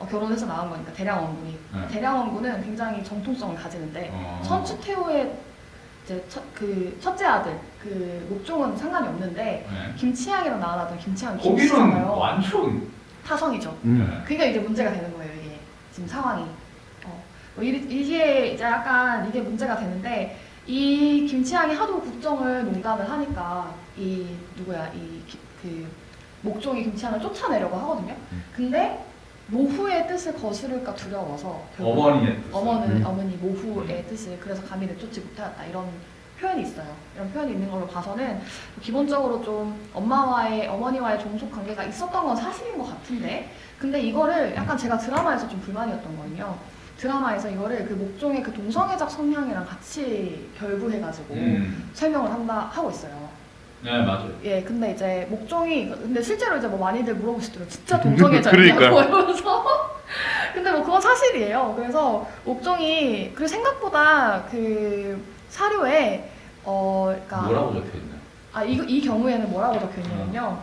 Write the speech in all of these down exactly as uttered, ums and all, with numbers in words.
어, 결혼해서 나온 거니까 대량원군이. 네. 대량원군은 굉장히 정통성을 가지는데 어. 천추태후의 이제 첫, 그 첫째 아들 그 목종은 상관이 없는데 네. 김치향이랑 나왔던 김치향 거기는 김치잖아요. 완전 타성이죠. 음. 네. 그러니까 이제 문제가 되는 거예요. 이게 지금 상황이. 어, 뭐 이- 이게 이제 약간 이게 문제가 되는데 이 김치향이 하도 국정을 농단을 하니까 이 누구야 이 그 목종이 김치향을 쫓아내려고 하거든요. 음. 근데 모후의 뜻을 거스를까 두려워서 결국 어머니의 뜻. 어머니, 음. 어머니 모후의 뜻을 그래서 감히 내쫓지 못하였다 이런 표현이 있어요. 이런 표현이 있는 걸로 봐서는 기본적으로 좀 엄마와의 어머니와의 종속 관계가 있었던 건 사실인 것 같은데 근데 이거를 약간 제가 드라마에서 좀 불만이었던 거는요. 드라마에서 이거를 그 목종의 그 동성애적 성향이랑 같이 결부해가지고 음. 설명을 한다 하고 있어요. 네 맞아요. 예, 근데 이제 목종이 근데 실제로 이제 뭐 많이들 물어보시더라고요. 진짜 동성애자냐고 그러니까요. 이러면서 근데 뭐 그건 사실이에요. 그래서 목종이 그 생각보다 그 사료에 어 그러니까 뭐라고 적혀있나요? 아 이거 이 경우에는 뭐라고 적혀 있냐면요.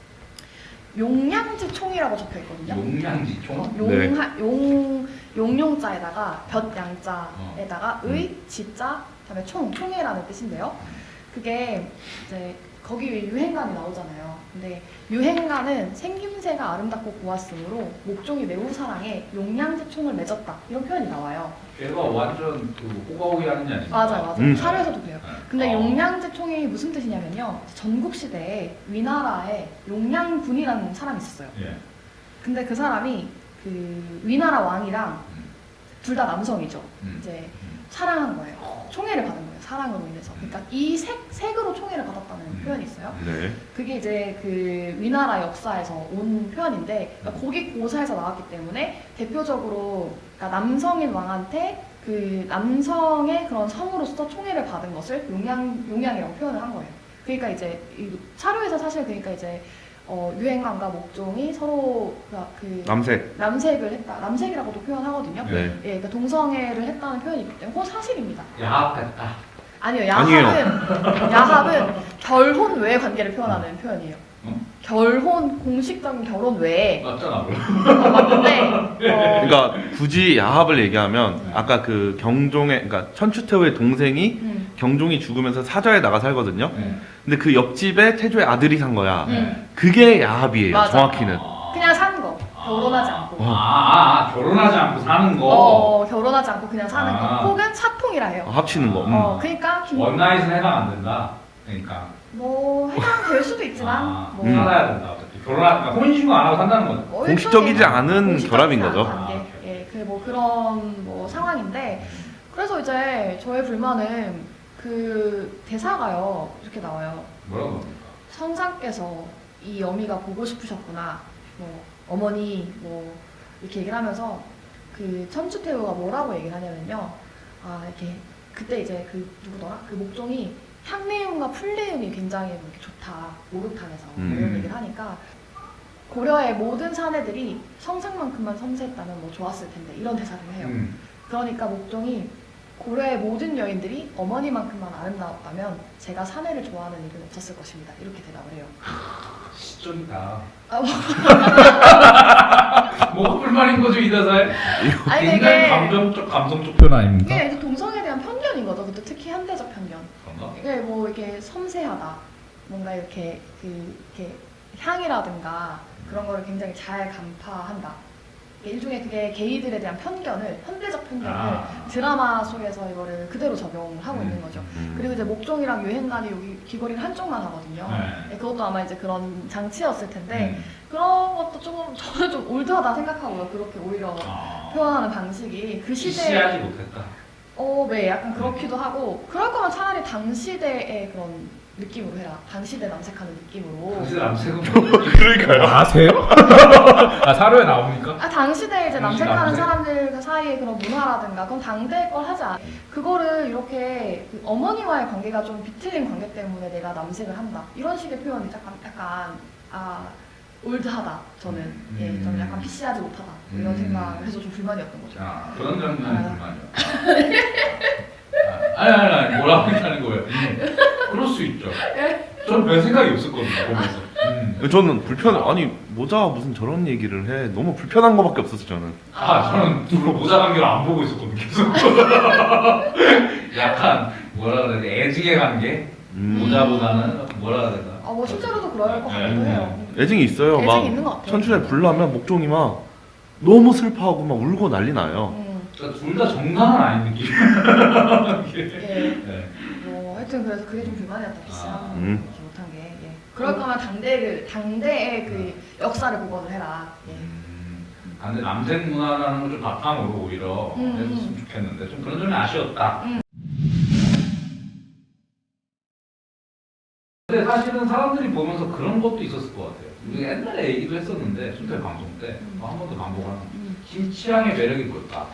용량지 총이라고 적혀 있거든요. 용량지총? 어, 네. 용, 용, 용용자에다가 볕양자에다가 어. 의, 지자, 그다음에 총, 총회라는 뜻인데요. 그게 이제 거기 유행간이 나오잖아요. 근데 유행간은 생김새가 아름답고 고왔으므로 목종이 매우 사랑해 용량지 총을 맺었다 이런 표현이 나와요. 걔가 완전 그 호가호기 하는 게 아닙니까? 맞아요, 맞아요. 음. 사료에서도 그래요. 네. 근데 어. 용량제 총이 무슨 뜻이냐면요. 전국 시대에 위나라에 용량군이라는 사람이 있었어요. 예. 근데 그 사람이 그 위나라 왕이랑 음. 둘 다 남성이죠. 음. 이제 음. 사랑한 거예요. 총애를 받은 거예요. 사랑으로 인해서. 그러니까 이 색, 색으로 총애를 받았다는 음. 표현이 있어요. 네. 그게 이제 그 위나라 역사에서 온 표현인데 음. 그러니까 거기 고사에서 나왔기 때문에 대표적으로 그러니까 남성인 왕한테 그 남성의 그런 성으로서 총애를 받은 것을 용양 용양이라고 표현을 한 거예요. 그러니까 이제 이 사료에서 사실 그러니까 이제 어, 유행관과 목종이 서로 그 남색. 남색을 했다. 남색이라고도 표현하거든요. 네. 예, 그러니까 동성애를 했다는 표현이 있기 때문에 그건 사실입니다. 야합했다. 아니요, 아니에요. 야합은 야합은 결혼 외의 관계를 표현하는 표현이에요. 응? 결혼 공식적인 결혼 외에 맞잖아. 뭐. 어, 맞는데 어, 그러니까 굳이 야합을 얘기하면 아까 그 경종의 그러니까 천추태후의 동생이 음, 경종이 죽으면서 사저에 나가 살거든요. 네. 근데 그 옆집에 태조의 아들이 산 거야. 음. 그게 야합이에요. 맞아. 정확히는. 아. 그냥 사는 거 결혼하지 않고 아, 아, 아, 결혼하지 않고 사는 거. 어, 결혼하지 않고 그냥 사는 아. 거 혹은 사통이라 해요. 어, 합치는 거. 음. 어, 그러니까 김, 원나잇은 해당 안 된다. 그러니까. 뭐 해당될 수도 있지만 아, 뭐 음. 살아야 된다. 어차피 결혼하, 그러니까 혼인신고 안 하고 산다는 거죠. 뭐 공식적이지 일종의 않은 공식적이지 결합인 않은 거죠. 관계. 아, 예, 그 뭐 그런 뭐 상황인데 그래서 이제 저의 불만은 그 대사가요 이렇게 나와요. 뭐라고 합니까? 성상께서 이 어미가 보고 싶으셨구나. 뭐 어머니 뭐 이렇게 얘기를 하면서 그 천추태후가 뭐라고 얘기를 하냐면요. 아 이렇게 그때 이제 그 누구더라? 그 목종이 향내음과 풀내음이 굉장히 뭐 이렇게 좋다. 목욕탕에서 뭐 음. 이런 얘기를 하니까 고려의 모든 사내들이 성상만큼만 섬세했다면 뭐 좋았을 텐데 이런 대사를 해요. 음. 그러니까 목종이 고려의 모든 여인들이 어머니만큼만 아름다웠다면 제가 사내를 좋아하는 일은 없었을 것입니다. 이렇게 대답을 해요. 시적이다. 아, 뭐, 뭐가 불만인 거죠 이 대사에? 아니 굉장히 이게 감정적 감성적 표현 아닙니까? 이게 이제 동성에 대한 편견인 거죠. 그것도 특히 현대적 편견. 그런가? 이게 뭐 이렇게 섬세하다, 뭔가 이렇게 그 이렇게 향이라든가 그런 거를 굉장히 잘 간파한다. 일종의 그게 게이들에 대한 편견을 현대적 편견을 아. 드라마 속에서 이거를 그대로 적용을 하고 음. 있는 거죠. 음. 그리고 이제 목종이랑 유행관이 여기 귀걸이를 한쪽만 하거든요. 네. 네, 그것도 아마 이제 그런 장치였을 텐데 음. 그런 것도 조금 저는 좀 올드하다 생각하고요. 그렇게 오히려 아. 표현하는 방식이 그 시대에 시시하지 못했다. 어, 네, 약간 그렇기도 하고 그럴 거면 차라리 당시대의 그런 느낌으로 해라. 당시대 남색하는 느낌으로. 당신 남색은 그러니까요. 아세요? 아 사료에 나옵니까? 아, 당시대에 이제 당시 남색하는 남색? 사람들 그 사이의 그런 문화라든가 그건 당대 걸 하지 않아. 그거를 이렇게 그 어머니와의 관계가 좀 비틀린 관계 때문에 내가 남색을 한다. 이런 식의 표현이 약간 약간 아 올드하다. 저는 음. 예, 저는 약간 피시하지 못하다. 뭐 이런 음. 생각을 해서 좀 불만이었던 거죠. 자 그런 장면이 아. 불만이요. 아, 아니 아니 아니 뭐라고 하는 거예요? 음. 그럴 수 있죠. 전 별 생각이 없었거든요 보면서. 음. 저는 불편 아니 모자 무슨 저런 얘기를 해 너무 불편한 거밖에 없었어 저는. 아 저는 둘 모자 관계를 안 보고 있었거든요. 계속. 약간 뭐라 그래야 돼 애증의 관계. 음. 모자보다는 뭐라 그래야 되나. 아, 뭐 실제로도 그럴 것 같기도 네. 해요. 애증이 있어요. 애증이 막 있는 것 같아요. 천춘에 불나면 목종이 막 너무 슬퍼하고 막 울고 난리 나요. 음, 그러니까 둘 다 정상은 아닌 느낌. 예. 네. 뭐 하여튼 그래서 그게 좀 불만이었다. 피씨랑 아. 음. 이렇게 못한 게. 예. 그럴 거면 당대를 당대의 그 역사를 복원을 해라. 예. 음, 아, 근데 남색 문화라는 걸 좀 바탕으로 오히려 음, 했으면 좋겠는데 좀 그런 점이 아쉬웠다. 음. 근데 사실은 사람들이 보면서 그런 것도 있었을 것 같아요. 우리가 옛날에 얘기도 했었는데 순대 방송 때 한 번 더 반복하는 음. 김치향의 매력이 뭘까?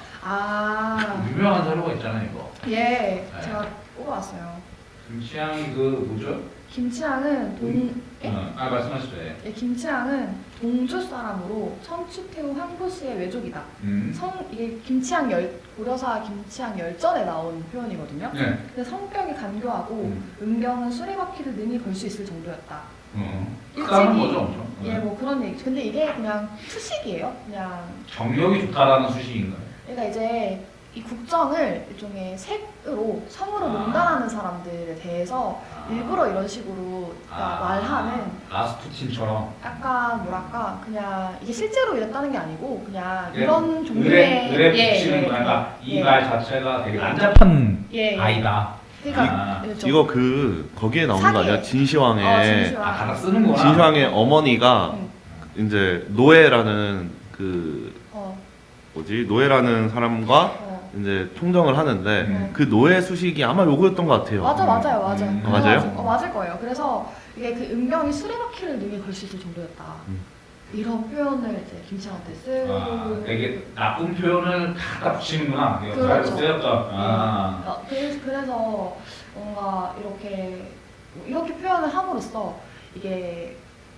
아, 유명한 자료가 있잖아요 이거. 예. 제가 뽑아왔어요. 김치향이 그 뭐죠? 김치향은 동, 예? 어, 아 말씀하시죠. 예. 예, 김치향은 동주 사람으로 천추태후 황보씨의 외족이다. 음. 성 이게 김치향 열 고려사 김치향 열전에 나온 표현이거든요. 네. 근데 성격이 간교하고 음. 은병은 술에 바퀴를 능히 걸 수 있을 정도였다. 어. 일찍이- 까는 거죠 엄청. 예, 네. 뭐 그런 얘기. 근데 이게 그냥 수식이에요. 그냥 정력이 좋다라는 수식인가요? 그러니까 이제 이 국정을 일종의 색으로 성으로 아. 농단하는 사람들에 대해서 일부러 이런 식으로 그러니까 아. 말하는 라스푸틴처럼 약간 뭐랄까 그냥 이게 실제로 이랬다는 게 아니고 그냥 예, 이런 종류의 의뢰 의뢰 예, 붙이는 예, 거니까 예, 이 말 자체가 되게 난잡한 예, 예. 아이다. 그러니까 아. 예, 좀- 이거 그 거기에 나오는 거 아니야? 사기에. 진시황의 어, 진시황. 아 갖다 쓰는구나. 진시황의 어머니가 음. 이제 노예라는 그 어, 뭐지 노예라는 사람과 어. 이제 총정을 하는데 음. 그 노예 수식이 아마 요거였던 것 같아요. 맞아 맞아요 맞아요. 음. 아, 맞아요? 그래가지고- 어, 맞을 거예요. 그래서 이게 그 은병이 수레바퀴를 능히 걸 수 있을 정도였다. 음. 이런 표현을 이제 김치한테 쓰고 아, 되게 나쁜 표현을 갖다 붙이는구나. 이거 그렇죠. 그렇죠. 쓰였다. 아. 어, 그래서, 그래서 뭔가 이렇게 이렇게 표현을 함으로써 이게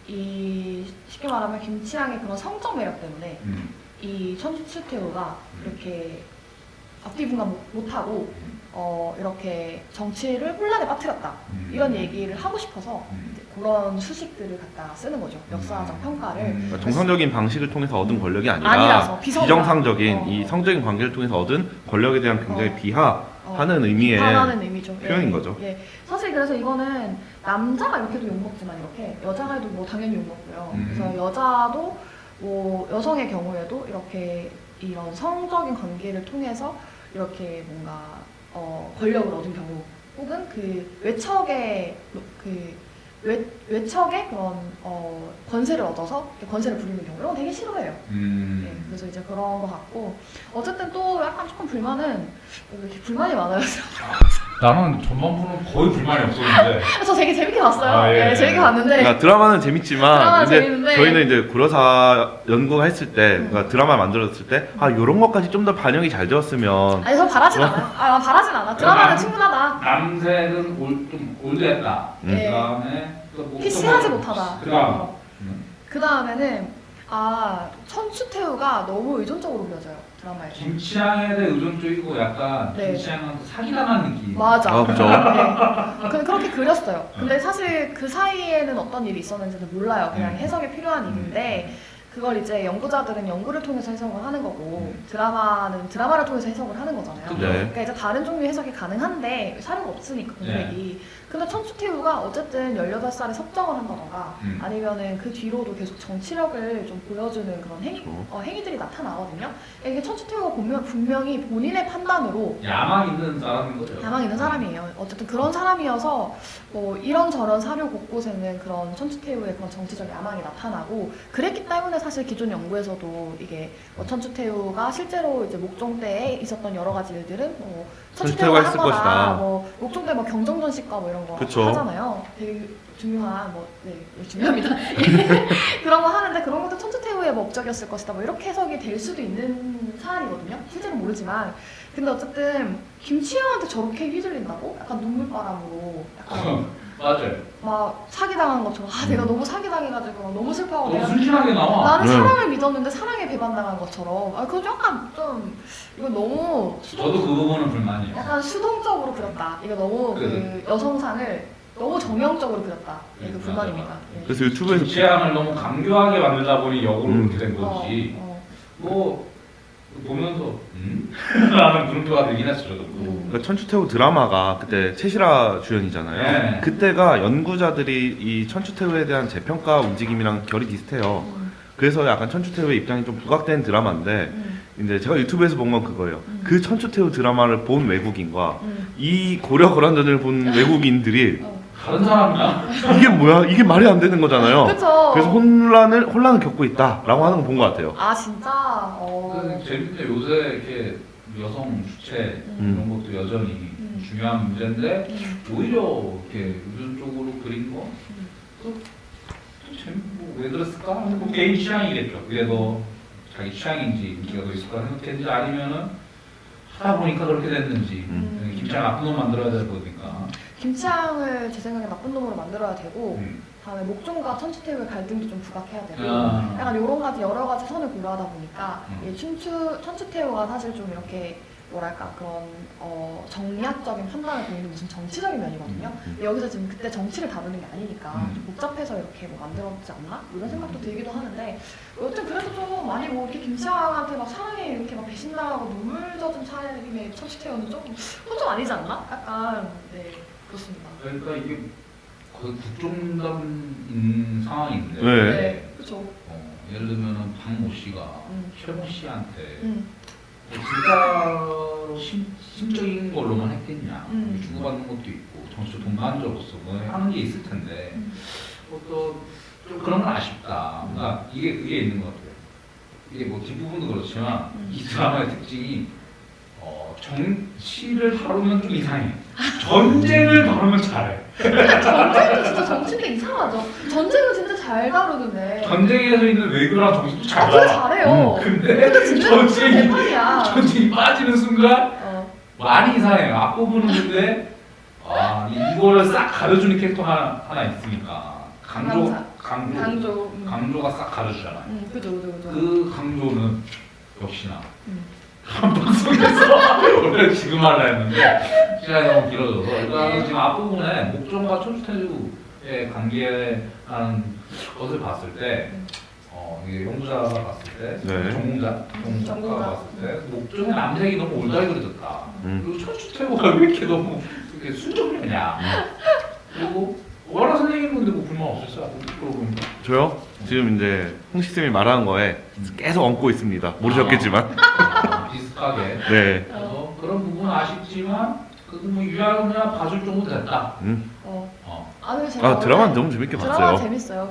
이 쉽게 말하면 김치향의 그런 성적 매력 때문에 음. 이 천추태후가 음. 이렇게 앞뒤 분간 못- 못하고 음. 어, 이렇게 정치를 혼란에 빠뜨렸다 음. 이런 얘기를 하고 싶어서 음. 이제 그런 수식들을 갖다 쓰는 거죠. 역사적 평가를. 음. 그러니까 정상적인 방식을 통해서 얻은 권력이 아니라 아니라서 비성이다. 비정상적인 어, 이 어. 성적인 관계를 통해서 얻은 권력에 대한 굉장히 어. 비하하는 어, 의미의 비판하는 의미죠. 표현인 예, 거죠. 예. 사실 그래서 이거는 남자가 이렇게도 욕먹지만 이렇게 여자가 해도 뭐 당연히 욕먹고요. 음. 그래서 여자도 뭐 여성의 경우에도 이렇게 이런 성적인 관계를 통해서 이렇게 뭔가 어, 권력을 얻은 경우 혹은 그 외척의 그 외, 외척의 그런 어, 권세를 얻어서 권세를 부리는 경우 이런 거 되게 싫어해요. 음. 네, 그래서 이제 그런 거 같고 어쨌든 또 약간 조금 불만은 왜 이렇게 불만이 많아요. 나는 전반부는 거의 불만이 없었는데. 저 되게 재밌게 봤어요. 아, 예. 네, 재밌게 봤는데 그러니까 드라마는 재밌지만 드라마는 이제 재밌는데. 저희는 이제 고려사 연구가 했을 때 음. 그러니까 드라마 만들었을 때 아 요런 것까지 좀 더 반영이 잘 되었으면 아니 저 바라진 않아요. 아, 난 바라진 않아. 드라마는 남- 충분하다. 남색은 올, 좀 올드했다. 음. 예. 그다음에 뭐 피씨하지 뭐- 못하다. 그다음. 어. 음. 그 다음에는 아 천추태후가 너무 의존적으로 그려져요 드라마에서. 김치향에 대해 의존적이고 약간 네. 김치향한테 사기당한 느낌. 맞아. 아, 그죠. 네. 그, 그렇게 그렸어요. 근데 사실 그 사이에는 어떤 일이 있었는지는 몰라요. 그냥 음. 해석이 필요한 일인데 그걸 이제 연구자들은 연구를 통해서 해석을 하는 거고 음. 드라마는 드라마를 통해서 해석을 하는 거잖아요. 그죠. 네. 그러니까 이제 다른 종류의 해석이 가능한데 사료가 없으니까 공백이. 근데 천추태후가 어쨌든 열여덟 살에 섭정을 한다던가 음. 아니면은 그 뒤로도 계속 정치력을 좀 보여주는 그런 행위, 그렇죠. 어, 행위들이 나타나거든요. 이게 천추태후가 분명, 분명히 본인의 판단으로 야망 있는 사람인 거죠. 야망 있는 사람이에요. 어쨌든 그런 사람이어서 뭐 이런저런 사료 곳곳에는 그런 천추태후의 그런 정치적 야망이 나타나고 그랬기 때문에 사실 기존 연구에서도 이게 뭐 천추태후가 실제로 이제 목종 때에 있었던 여러 가지 일들은 뭐 천추태후가 천추태후가 했을 한 거다. 것이다. 뭐 목종 때 뭐 경정전식과 뭐 이런 거 그쵸. 하잖아요. 되게 중요한 뭐 네, 중요합니다. 그런 거 하는데 그런 것도 천추태후의 목적이었을 것이다. 뭐 이렇게 해석이 될 수도 있는 사안이거든요. 실제로 모르지만 근데 어쨌든 김치영한테 저렇게 휘둘린다고? 약간 눈물바람으로 약간 맞아요. 막 사기당한 것처럼 아 내가 너무 사기당해가지고 너무 슬퍼하고 너무 내가 순진하게 나와. 나는 네. 사랑을 믿었는데 사랑에 배반당한 것처럼 아 그거 약간 좀 이거 너무 수동, 저도 그 부분은 불만이에요. 약간 수동적으로 그렸다. 이거 너무 그 그래. 여성상을 너무 정형적으로 그렸다. 네, 그 음, 불만입니다. 맞아, 맞아. 네. 그래서 유튜브에서 취향을 너무 강조하게 만들다 보니 역으로 음. 그렇게 된 거지. 어, 뭐 보면서 음? 라는 물음표가 들긴 했어 저도. 음. 그러니까 천추태후 드라마가 그때 채시라 주연이잖아요. 네. 그때가 연구자들이 이 천추태후에 대한 재평가 움직임이랑 결이 비슷해요. 어, 음, 그래서 약간 천추태후의 입장이 좀 부각된 드라마인데 음, 이제 제가 유튜브에서 본 건 그거예요. 음. 그 천추태후 드라마를 본 외국인과 음. 이 고려 거란전을 본 외국인들이 어. 다른 사람이야? 이게 뭐야? 이게 말이 안 되는 거잖아요. 그쵸. 그래서 혼란을 혼란을 겪고 있다라고 하는 거 본 것 같아요. 아 진짜. 어. 근데 재밌네. 요새 이렇게 여성 주체 음. 이런 것도 여전히 음. 중요한 문제인데 음. 오히려 이렇게 요즘 쪽으로 그린 거 음. 또, 또 재밌고 왜 그랬을까? 뭐 개인 취향이겠죠. 그래도 자기 취향인지 인기가 더 있을 거라 생각했는지 아니면은 하다 보니까 그렇게 됐는지 음. 김치랑 나쁜 놈 만들어야 될 거니까. 김치향을 제 생각에 나쁜 놈으로 만들어야 되고 음. 다음에 목종과 천추태후의 갈등도 좀 부각해야 되고 아. 약간 여러 가지 여러 가지 선을 고려하다 보니까 음. 이 춘추 천추태후가 사실 좀 이렇게 뭐랄까 그런 어, 정략적인 판단을 보이는 무슨 정치적인 면이거든요. 음. 근데 여기서 지금 그때 정치를 다루는 게 아니니까 음. 좀 복잡해서 이렇게 뭐 만들었지 않나 이런 생각도 들기도 하는데 여튼 그래도 좀 많이 뭐 이렇게 김치향한테 막 사랑해 이렇게 막 배신당하고 눈물 젖은 차림의 천추태후는 좀 그건 좀 아니지 않나? 약간 네 그렇습니다. 그러니까 이게 거의 국정감인 상황인데 네. 그렇죠. 어, 예를 들면은 박모 씨가 음. 최모 씨한테 음. 뭐 진짜로 심, 심적인 걸로만 했겠냐 음. 주고받는 것도 있고 정치 동반자로서 뭐 하는 게 있을 텐데 음. 뭐또좀 그런 건 아쉽다. 그러니까 이게 그게 있는 것 같아요. 이게 뭐 뒷부분도 그렇지만 음. 이 드라마의 특징이 어, 정치를 다루면 좀 이상해. 전쟁을 다루면 잘해. 전쟁도 진짜 정치인데 이상하죠. 전쟁은 진짜 잘 다루는데. 전쟁에서 있는 외교랑 정치도 잘 아, 그래 알아. 잘해요. 근데 근데 진짜 전쟁이 대판이야. 전쟁이 빠지는 순간 어. 많이 이상해요. 앞부분은 근데 아 이- 이거를 싹 가려주는 캐릭터 하나, 하나 있으니까 강조 강사. 강조 강조. 음. 강조가 싹 가려주잖아요. 음, 그죠, 그죠, 그죠. 그 강조는 역시나 음. 한 방송에서 원래 지금 하려 했는데 시간이 너무 길어져서 일단 지금 앞부분에 목종과 천추태후의 관계라는 것을 봤을 때 음. 어, 이게 연구자가 봤을 때 네. 전공자 전공자가 전공자. 봤을 때 목종의 남색이 너무 올드하게 그려졌다. 음. 그리고 천추태후가 왜 이렇게 너무 이렇게 순정이냐. 그리고 워낙 선생님 근데 뭐 불만 없었어요? 그러고 보니까. 저요? 지금 이제 홍식쌤이 말하는 거에 계속 얹고 있습니다. 모르셨겠지만. 아, 비슷하게. 네. 그래서 그런 부분은 아쉽지만 그래도 뭐 유야무야 봐줄 정도 됐다. 음. 어. 어. 아, 근데 제가 아 드라마 원래 너무 재밌게 드라마 봤어요. 재밌어요.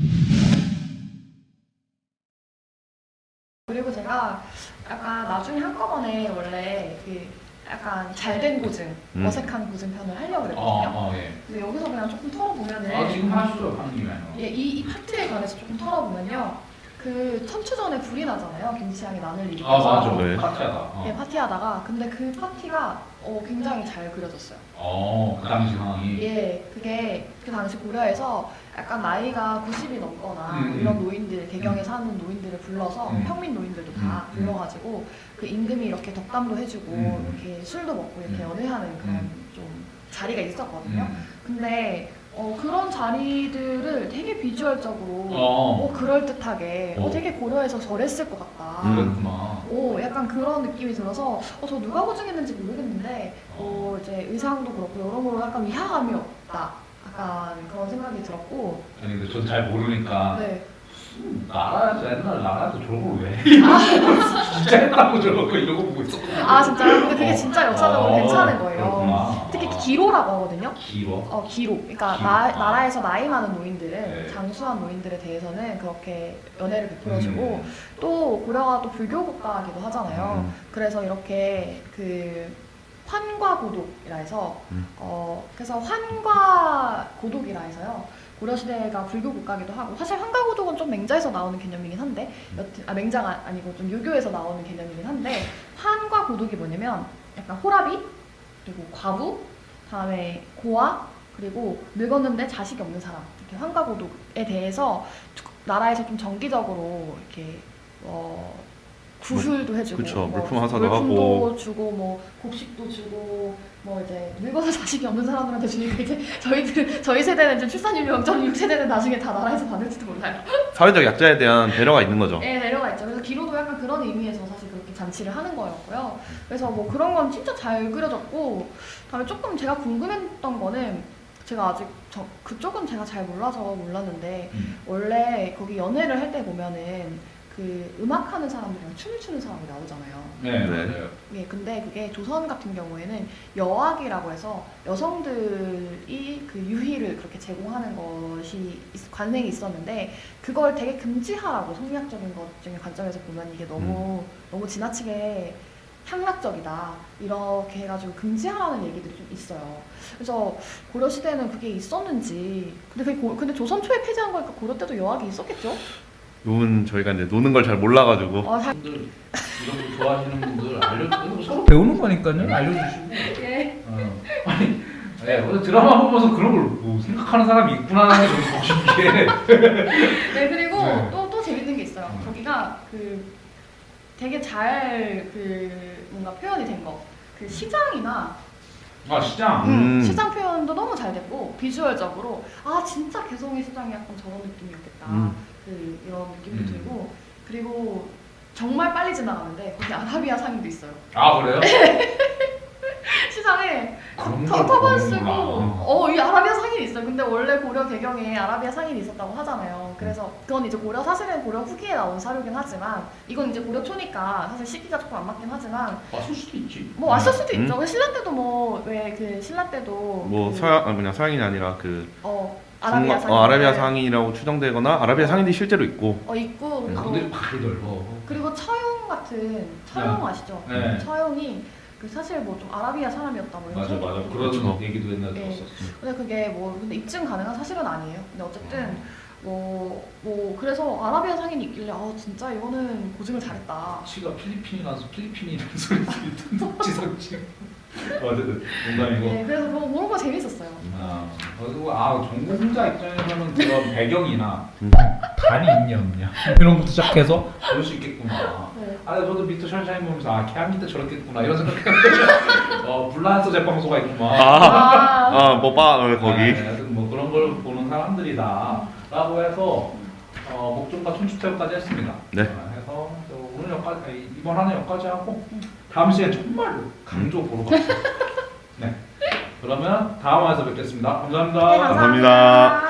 그리고 제가 약간 나중에 한꺼번에 원래 그 약간 잘된 고증, 음. 어색한 고증 편을 하려고 어, 그랬거든요. 어, 예. 근데 여기서 그냥 조금 털어보면은 아, 지금 하시죠, 판님이랑. 예, 이, 이 파트에 관해서 조금 털어보면요. 그 천추전에 불이 나잖아요. 김치향이 난을 아, 일으켜서. 맞아. 네. 파티하다. 어. 예, 파티하다가. 근데 그 파티가 어, 굉장히 잘 그려졌어요. 어, 그 당시 상황이. 예, 그게 그 당시 고려에서 약간 나이가 구십이 넘거나 음, 이런 음. 노인들, 개경에 사는 노인들을 불러서 음. 평민 노인들도 다 음, 음. 불러가지고 그 임금이 이렇게 덕담도 해주고 음. 이렇게 술도 먹고 이렇게 음. 연회하는 그런 음. 좀 자리가 있었거든요. 음. 근데 어, 그런 자리들을 되게 비주얼적으로 어. 어, 그럴듯하게 어, 어. 되게 고려해서 저랬을 것 같다. 음. 그랬구나. 오, 약간 그런 느낌이 들어서 어, 저 누가 고증했는지 모르겠는데 어, 이제 의상도 그렇고 여러모로 약간 위화감이 없다. 약간 그런 생각이 들었고 아니, 근데 전 잘 모르니까. 네. 나라에서 옛날 나라에서 저런 걸 왜? 진짜 했다고 저런 거 이러고 보고 있었거든. 아 진짜요? 근데 그게 진짜 역사적으로 어, 괜찮은 거예요. 그렇구나. 특히 아. 기로라고 하거든요. 기로? 어, 기로. 그러니까 기로. 나, 아. 나라에서 나이 많은 노인들은 네. 장수한 노인들에 대해서는 그렇게 연애를 베풀어주고 음. 또 고려가 또 불교 국가이기도 하잖아요. 음. 그래서 이렇게 그 환과 고독이라 해서 음. 어 그래서 환과 고독이라 해서요. 고려 시대가 불교 국가기도 하고 사실 환과 고독은 좀 맹자에서 나오는 개념이긴 한데 여튼 아 맹자가 아니고 좀 유교에서 나오는 개념이긴 한데 환과 고독이 뭐냐면 약간 호라비 그리고 과부 다음에 고아 그리고 늙었는데 자식이 없는 사람 이렇게 환과 고독에 대해서 나라에서 좀 정기적으로 이렇게 어 구슬도 해주고 그쵸, 뭐 물품 하사도 물품도 하고. 주고 뭐 곡식도 주고 뭐 이제 늙어서 자식이 없는 사람들한테 주니까 이제 저희들 저희 세대는 이제 출산율 영 점 육 세대는 나중에 다 나라에서 받을지도 몰라요. 사회적 약자에 대한 배려가 있는 거죠. 네, 내려가 있죠. 그래서 기로도 약간 그런 의미에서 사실 그렇게 잔치를 하는 거였고요. 그래서 뭐 그런 건 진짜 잘 그려졌고, 다음에 조금 제가 궁금했던 거는 제가 아직 저 그쪽은 제가 잘 몰라서 몰랐는데 음. 원래 거기 연애를 할 때 보면은 그 음악하는 사람들이랑 춤을 추는 사람이 나오잖아요. 네, 네. 맞아요. 예, 근데 그게 조선 같은 경우에는 여학이라고 해서 여성들이 그 유희를 그렇게 제공하는 것이 있- 관행이 있었는데 그걸 되게 금지하라고 성리학적인 것 중에 관점에서 보면 이게 너무 너무 지나치게 향락적이다 이렇게 해가지고 금지하라는 얘기들이 좀 있어요. 그래서 고려 시대에는 그게 있었는지 근데 그게 고, 근데 조선 초에 폐지한 거니까 고려 때도 여학이 있었겠죠? 요건 저희가 이제 노는 걸 잘 몰라가지고. 어, 잘, 분들 이런 거 좋아하시는 분들 알려 서로 배우는 거니까요. 알려주시고. 예. 어. 아니, 네, 오늘 드라마 보면서 그런 걸 뭐 생각하는 사람이 있구나라는 걸 좀 신기해. 네 그리고 네. 또 또 재밌는 게 있어요. 음. 거기가 그 되게 잘 그 뭔가 표현이 된 거. 그 시장이나 아 시장. 음. 음, 시장 표현도 너무 잘 됐고 비주얼적으로 아 진짜 개성의 시장이 약간 저런 느낌이었겠다. 음. 그 이런 느낌도 음. 들고 그리고 정말 빨리 지나가는데 거기 아라비아 상인도 있어요. 아 그래요? 시장에 그런 터- 걸 터번 쓰고 보는구나. 어 이 아라비아 상인이 있어요. 근데 원래 고려 배경에 아라비아 상인이 있었다고 하잖아요. 그래서 그건 이제 고려 사실은 고려 후기에 나온 사료긴 하지만 이건 이제 고려 초니까 사실 시기가 조금 안 맞긴 하지만 왔을 수도 있지. 뭐 왔을 수도 음. 있죠. 그 신라 때도 뭐 왜 그 신라 때도 뭐 그, 서양 아 뭐냐 서양이 아니라 그 어 아라비아 중국- 상인 어, 아라비아 상인이라고 추정되거나 아라비아 상인이 실제로 있고. 어 있고 음. 그리고 그들이 발이 넓어. 그리고 처용 같은 처용 네. 아시죠? 네. 처용이 그 사실 뭐 좀 아라비아 사람이었다 뭐 이런 맞아 맞아. 소리도 그런 그렇죠. 얘기도 옛날에 네. 들었었어. 근데 그게 뭐 근데 입증 가능한 사실은 아니에요. 근데 어쨌든 음. 뭐, 뭐 그래서 아라비아 상인이 있길래 아 진짜 이거는 고증을 잘했다. 치가 필리핀이라서 필리핀이라는 소리 듣는 지성치. 어쨌든 농담이고. 네, 그래서 그거 모르는 거 재밌었어요. 아, 그리고 아 전공자 입장에서는 그런 배경이나 음. 단이 있냐 없냐 이런 것도 시작해서 볼 수 있겠구나. 네. 아, 저도 미터 션샤인 보면서 아, 케암 때 저렇겠구나 이런 생각했는데 어, 불란서 제빵소가 있구만. 아, 아, 아뭐바 어, 거기. 네, 하여튼 뭐 그런 걸 보는 사람들이다라고 해서 어, 목종과 춘추태우까지 했습니다. 네. 어, 해서 또 오늘 여기까지 아니, 이번 하는 여기까지 하고 다음 시간에 정말로 강조 보러 갑시다. 네. 그러면 다음 화에서 뵙겠습니다. 감사합니다. 네, 감사합니다.